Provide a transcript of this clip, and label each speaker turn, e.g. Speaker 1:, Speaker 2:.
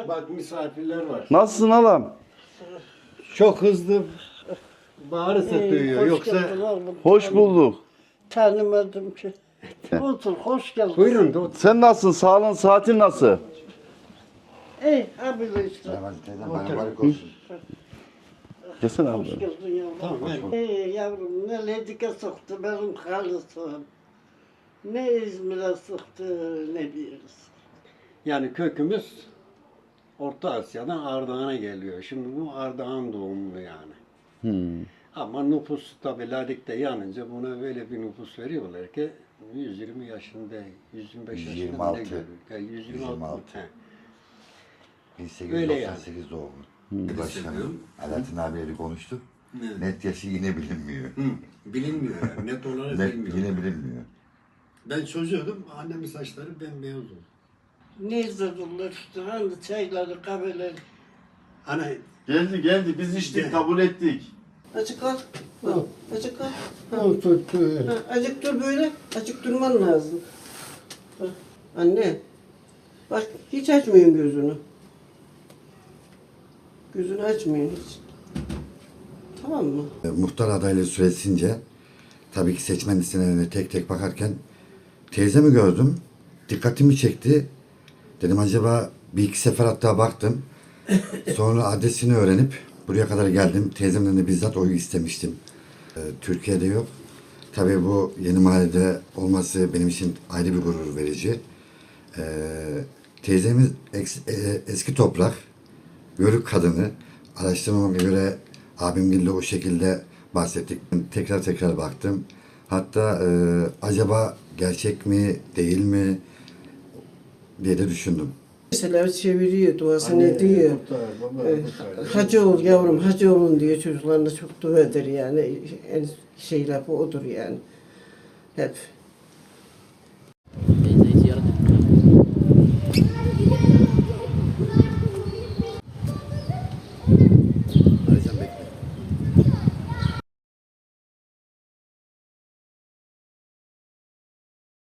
Speaker 1: Bak misafirler var.
Speaker 2: Nasılsın halam?
Speaker 1: Çok hızlı bağırsa duyuyor.
Speaker 3: Hoş
Speaker 1: Yoksa
Speaker 3: geldin oğlum.
Speaker 2: Hoş bulduk.
Speaker 3: Tanımadım ki. Otur, hoş geldin.
Speaker 1: buyurun da otur.
Speaker 2: Sen nasılsın? Sağlığın, saatin nasıl?
Speaker 3: Ey, abiyle işte.
Speaker 4: Bayramlık olsun.
Speaker 2: Gelsene
Speaker 3: Hoş
Speaker 2: abi.
Speaker 3: geldin yavrum.
Speaker 1: Tamam, ben-
Speaker 3: Ey yavrum, ne Ledik'e soktu benim halısım. Ne İzmir'e soktu, ne bir yere soktu.
Speaker 1: Yani kökümüz Orta Asya'dan Ardahan'a geliyor. Şimdi bu Ardahan doğumlu yani. Ama nüfus tabi Ladik'te yanınca buna böyle bir nüfus veriyorlar ki 120 yaşında, 125 yaşında
Speaker 4: 126.
Speaker 1: ne görüyor? Yani 126.
Speaker 4: 126.
Speaker 1: He.
Speaker 4: 1898 doğumlu. Başkanım Alaaddin abiyle konuştuk. Net yaşı yine bilinmiyor.
Speaker 1: Bilinmiyor yani. Net olarak
Speaker 4: Net
Speaker 1: bilmiyor.
Speaker 4: yine bilinmiyor.
Speaker 1: Ben çocuğum, annemin saçları bembeyaz oldu.
Speaker 3: Ne izlediler işte, hani çayları, kahveleri.
Speaker 1: Hani
Speaker 2: Geldi. Biz içtik, kabul ettik.
Speaker 3: Azıcık al. Al. Azıcık al. Ha, azıcık dur böyle. Azıcık durman lazım. Bak, anne. Bak hiç açmayın gözünü. Gözünü açmayın hiç. Tamam mı?
Speaker 4: Muhtar adaylığı süresince tabii ki seçmen listelerine tek tek bakarken teyzemi gördüm. Dikkatimi çekti. Dedim acaba bir iki sefer hatta baktım. Sonra adresini öğrenip buraya kadar geldim. Teyzemden de bizzat oyu istemiştim. Türkiye'de yok. Tabii bu yeni mahallede olması benim için ayrı bir gurur verici. Teyzemiz eski toprak, Yörük kadını. Araştırmama göre abimgille o şekilde bahsettik. Tekrar baktım. Hatta acaba gerçek mi, değil mi diye de düşündüm.
Speaker 3: Mesela çeviriyor, duasını ediyor. Hacı ol yavrum, hacı olun diyor çocuklarına çok dua eder yani. En şey lafı odur yani. Hep.